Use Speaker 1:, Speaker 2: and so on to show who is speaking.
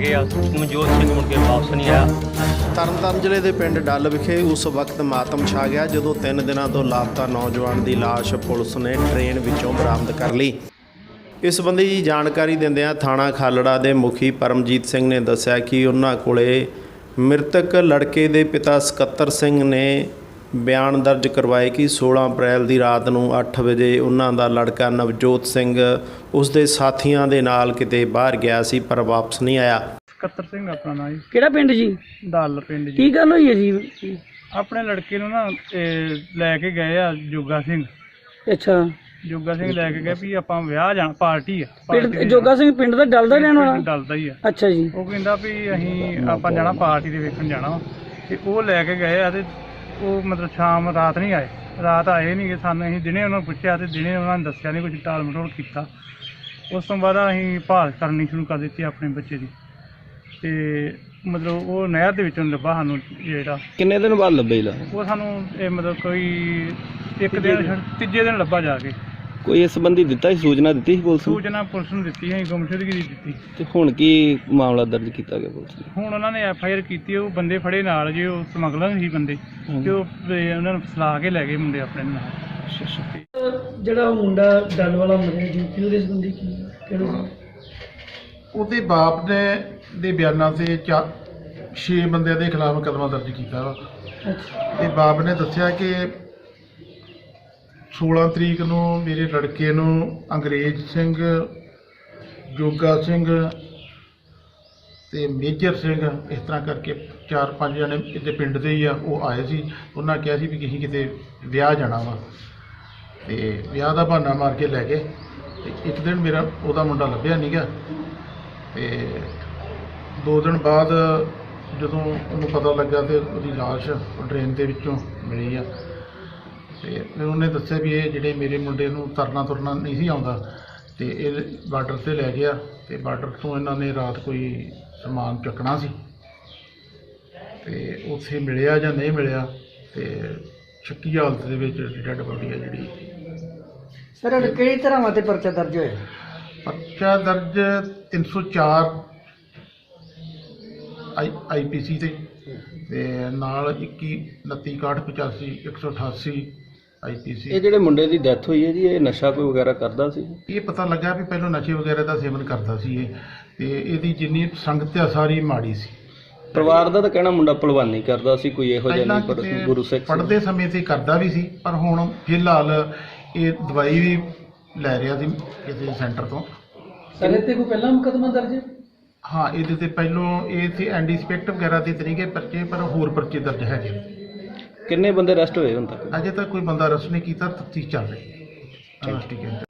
Speaker 1: ਗਏ ਆ। ਮਨਜੋਤ ਸਿੰਘ ਮੁੜ ਕੇ ਵਾਪਸ ਨਹੀਂ ਆਇਆ।
Speaker 2: ਤਰਨਤਾਰਨ ਜ਼ਿਲ੍ਹੇ ਦੇ ਪਿੰਡ ਡੱਲ ਵਿਖੇ ਉਸ ਵਕਤ ਮਾਤਮ ਛਾ ਗਿਆ ਜਦੋਂ 3 ਦਿਨਾਂ ਤੋਂ ਲਾਪਤਾ ਨੌਜਵਾਨ ਦੀ ਲਾਸ਼ ਪੁਲਿਸ ਨੇ ਟ੍ਰੇਨ ਵਿੱਚੋਂ ਬਰਾਮਦ ਕਰ ਲਈ। ਇਸ ਸੰਬੰਧੀ ਜਾਣਕਾਰੀ ਦਿੰਦਿਆਂ ਥਾਣਾ ਖਾਲੜਾ ਦੇ ਮੁਖੀ ਪਰਮਜੀਤ ਸਿੰਘ ਨੇ ਦੱਸਿਆ ਕਿ ਉਹਨਾਂ ਕੋਲੇ ਮ੍ਰਿਤਕ ਲੜਕੇ ਦੇ ਪਿਤਾ ਸਕੱਤਰ ਸਿੰਘ ਨੇ ਬਿਆਨ ਦਰਜ ਕਰਵਾਏ ਕਿ 16 ਅਪ੍ਰੈਲ ਦੀ ਰਾਤ ਨੂੰ 8 ਵਜੇ ਉਹਨਾਂ ਦਾ ਲੜਕਾ ਨਵਜੋਤ ਸਿੰਘ ਉਸ ਦੇ ਸਾਥੀਆਂ ਦੇ ਨਾਲ ਕਿਤੇ ਬਾਹਰ ਗਿਆ ਸੀ ਪਰ ਵਾਪਸ ਨਹੀਂ ਆਇਆ।
Speaker 3: ਸਕੱਤਰ ਸਿੰਘ ਆਪਣਾ ਨਾਂ ਜੀ।
Speaker 4: ਕਿਹੜਾ ਪਿੰਡ ਜੀ?
Speaker 3: ਡੱਲ ਪਿੰਡ ਜੀ।
Speaker 4: ਕੀ ਗੱਲ ਹੋਈ ਹੈ ਜੀ?
Speaker 3: ਆਪਣੇ ਲੜਕੇ ਨੂੰ ਨਾ ਲੈ ਕੇ ਗਏ ਆ ਜੋਗਾ ਸਿੰਘ।
Speaker 4: ਅੱਛਾ,
Speaker 3: ਜੋਗਾ ਸਿੰਘ ਲੈ ਕੇ ਗਏ ਵੀ ਆਪਾਂ ਵਿਆਹ ਜਾਣਾ, ਪਾਰਟੀ ਆ।
Speaker 4: ਪਿੰਡ ਜੋਗਾ ਸਿੰਘ ਪਿੰਡ ਦਾ ਡੱਲ ਦਾ ਰਹਿਣ ਵਾਲਾ?
Speaker 3: ਡੱਲ ਦਾ ਹੀ ਆ।
Speaker 4: ਅੱਛਾ ਜੀ।
Speaker 3: ਉਹ ਕਹਿੰਦਾ ਵੀ ਅਸੀਂ ਆਪਾਂ ਜਾਣਾ ਪਾਰਟੀ ਦੇ ਵੇਖਣ ਜਾਣਾ ਵਾ ਤੇ ਉਹ ਲੈ ਕੇ ਗਏ ਆ ਤੇ ਉਹ ਮਤਲਬ ਸ਼ਾਮ ਰਾਤ ਨਹੀਂ ਆਏ। ਰਾਤ ਆਏ ਨਹੀਂ ਗੇ ਸਾਨੂੰ। ਅਸੀਂ ਦਿਨੇ ਉਹਨਾਂ ਨੂੰ ਪੁੱਛਿਆ ਤੇ ਦਿਨੇ ਉਹਨਾਂ ਨੇ ਦੱਸਿਆ ਨਹੀਂ, ਕੁਝ ਟਾਲ ਮਟੋਲ ਕੀਤਾ। ਉਸ ਤੋਂ ਬਾਅਦ ਅਸੀਂ ਭਾਲ ਕਰਨੀ ਸ਼ੁਰੂ ਕਰ ਦਿੱਤੀ ਆਪਣੇ ਬੱਚੇ ਦੀ ਤੇ ਮਤਲਬ ਉਹ ਨਹਿਰ ਦੇ ਵਿੱਚੋਂ ਲੱਭਾ ਸਾਨੂੰ। ਜਿਹੜਾ
Speaker 4: ਕਿੰਨੇ ਦਿਨ ਬਾਅਦ ਲੱਭੇ ਲਾ?
Speaker 3: ਉਹ ਸਾਨੂੰ ਇਹ ਮਤਲਬ ਕੋਈ ਇੱਕ ਦਿਨ ਤੀਜੇ ਦਿਨ ਲੱਭਾ ਜਾ ਕੇ।
Speaker 4: ਕੋਈ ਇਸ ਸੰਬੰਧੀ ਦਿੱਤਾ ਸੀ, ਸੂਚਨਾ ਦਿੱਤੀ ਸੀ ਪੁਲਿਸ ਨੂੰ?
Speaker 3: ਸੂਚਨਾ ਪੁਲਿਸ ਨੂੰ ਦਿੱਤੀ, ਅਸੀਂ ਗੁੰਮਸ਼ੁਦਗੀ ਦੀ ਦਿੱਤੀ।
Speaker 4: ਤੇ ਹੁਣ ਕੀ ਮਾਮਲਾ ਦਰਜ ਕੀਤਾ ਗਿਆ ਪੁਲਿਸ ਨੇ?
Speaker 3: ਹੁਣ ਉਹਨਾਂ ਨੇ FIR ਕੀਤੀ। ਉਹ ਬੰਦੇ ਫੜੇ ਨਾਲ ਜੀ, ਉਹ ਸਮਗਲਰ ਸੀ ਬੰਦੇ ਤੇ ਉਹ ਉਹਨਾਂ ਨੂੰ ਫਸਲਾ ਕੇ ਲੈ ਗਏ ਮੁੰਡੇ ਆਪਣੇ ਨਾਲ।
Speaker 4: ਜਿਹੜਾ ਮੁੰਡਾ ਡੱਲ ਵਾਲਾ ਮਰਿਆ ਜੀ, ਉਹਦੇ ਸੰਬੰਧੀ ਕੀ ਕਿਹੜੇ ਸੀ?
Speaker 5: ਉਹਦੇ ਬਾਪ ਨੇ ਦੇ ਬਿਆਨਾਂ ਤੇ 6 ਬੰਦਿਆਂ ਦੇ ਖਿਲਾਫ ਮੁਕੱਦਮਾ ਦਰਜ ਕੀਤਾ ਵਾ। ਤੇ ਬਾਪ ਨੇ ਦੱਸਿਆ ਕਿ 16 ਤਰੀਕ ਨੂੰ ਮੇਰੇ ਲੜਕੇ ਨੂੰ ਅੰਗਰੇਜ਼ ਸਿੰਘ, ਜੋਗਾ ਸਿੰਘ ਤੇ ਮੇਜਰ ਸਿੰਘ, ਇਸ ਤਰ੍ਹਾਂ ਕਰਕੇ 4-5 ਜਣੇ ਇਹਦੇ ਪਿੰਡ ਦੇ ਹੀ ਆ, ਉਹ ਆਏ ਸੀ। ਉਹਨਾਂ ਕਿਹਾ ਸੀ ਵੀ ਅਸੀਂ ਕਿਤੇ ਵਿਆਹ ਜਾਣਾ ਵਾ ਤੇ ਵਿਆਹ ਦਾ ਬਹਾਨਾ ਮਾਰ ਕੇ ਲੈ ਗਏ। ਤੇ ਇੱਕ ਦਿਨ ਉਹਦਾ ਮੁੰਡਾ ਲੱਭਿਆ ਨਹੀਂ ਗਾ ਤੇ 2 ਦਿਨ ਬਾਅਦ ਜਦੋਂ ਉਹਨੂੰ ਪਤਾ ਲੱਗਾ ਤੇ ਉਹਦੀ ਲਾਸ਼ ਟ੍ਰੇਨ ਦੇ ਵਿੱਚੋਂ ਮਿਲੀ ਆ। ਤੇ ਫਿਰ ਉਹਨੇ ਦੱਸਿਆ ਵੀ ਇਹ ਜਿਹੜੇ ਮੇਰੇ ਮੁੰਡੇ ਨੂੰ ਤੁਰਨਾ ਨਹੀਂ ਸੀ ਆਉਂਦਾ ਤੇ ਇਹ ਬਾਰਡਰ 'ਤੇ ਲੈ ਗਿਆ ਤੇ ਬਾਰਡਰ ਤੋਂ ਇਹਨਾਂ ਨੇ ਰਾਤ ਕੋਈ ਸਮਾਨ ਚੱਕਣਾ ਸੀ ਤੇ ਉੱਥੇ ਮਿਲਿਆ ਜਾਂ ਨਹੀਂ ਮਿਲਿਆ ਤੇ ਸ਼ੱਕੀ ਹਾਲਤ ਦੇ ਵਿੱਚ ਡੈਡ ਬੋਡੀ ਆ ਜਿਹੜੀ।
Speaker 4: ਸਰ ਕਿਹੜੀ ਤਰ੍ਹਾਂ ਤੇ ਪਰਚਾ ਦਰਜ ਹੋਇਆ?
Speaker 5: ਪਰਚਾ ਦਰਜ 304 IPC ਤੇ ਨਾਲ 21 29 61 85 188 IPC।
Speaker 4: ਇਹ ਜਿਹੜੇ ਮੁੰਡੇ ਦੀ ਡੈਥ ਹੋਈ ਹੈ ਜੀ, ਇਹ ਨਸ਼ਾ ਕੋਈ ਵਗੈਰਾ ਕਰਦਾ ਸੀ?
Speaker 5: ਇਹ ਪਤਾ ਲੱਗਾ ਵੀ ਪਹਿਲਾਂ ਨਸ਼ੇ ਵਗੈਰਾ ਦਾ ਸੇਵਨ ਕਰਦਾ ਸੀ ਇਹ ਤੇ ਇਹਦੀ ਜਿੰਨੀ ਸੰਗਤ ਆ ਸਾਰੀ ਮਾੜੀ ਸੀ।
Speaker 4: ਪਰਿਵਾਰ ਦਾ ਤਾਂ ਕਹਿਣਾ ਮੁੰਡਾ ਭਲਵਾਨੀ ਕਰਦਾ ਸੀ, ਕੋਈ ਇਹੋ ਜਿਹਾ ਨਹੀਂ, ਪਰ ਗੁਰੂ ਸਿੱਖ
Speaker 5: ਪੜ੍ਹਦੇ ਸਮੇਂ ਤੇ ਕਰਦਾ ਵੀ ਸੀ ਪਰ ਹੁਣ ਫਿਲਹਾਲ ਇਹ ਦਵਾਈ ਵੀ ਲੈ ਰਿਹਾ ਸੀ ਕਿਸੇ ਸੈਂਟਰ ਤੋਂ।
Speaker 4: ਸਰ ਤੇ ਕੋਈ ਪਹਿਲਾਂ ਮੁਕੱਦਮਾ ਦਰਜ?
Speaker 5: ਹਾਂ, ਇਹਦੇ ਤੇ ਪਹਿਲੋਂ ਇਹ ਸੀ ਐਂਟੀਸਪੈਕਟ ਵਗੈਰਾ ਦੇ ਤਰੀਕੇ ਪਰਚੇ, ਪਰ ਹੋਰ ਪਰਚੇ ਦਰਜ ਹੈਗੇ।
Speaker 4: ਕਿੰਨੇ ਬੰਦੇ ਅਰੈਸਟ ਹੋਏ ਹੁਣ ਤੱਕ?
Speaker 5: ਅਜੇ ਤੱਕ ਕੋਈ ਬੰਦਾ ਅਰੈਸਟ ਨਹੀਂ ਕੀਤਾ, ਤਫਤੀਸ਼ ਚੱਲ ਰਹੀ ਹੈ। ਠੀਕ ਹੈ।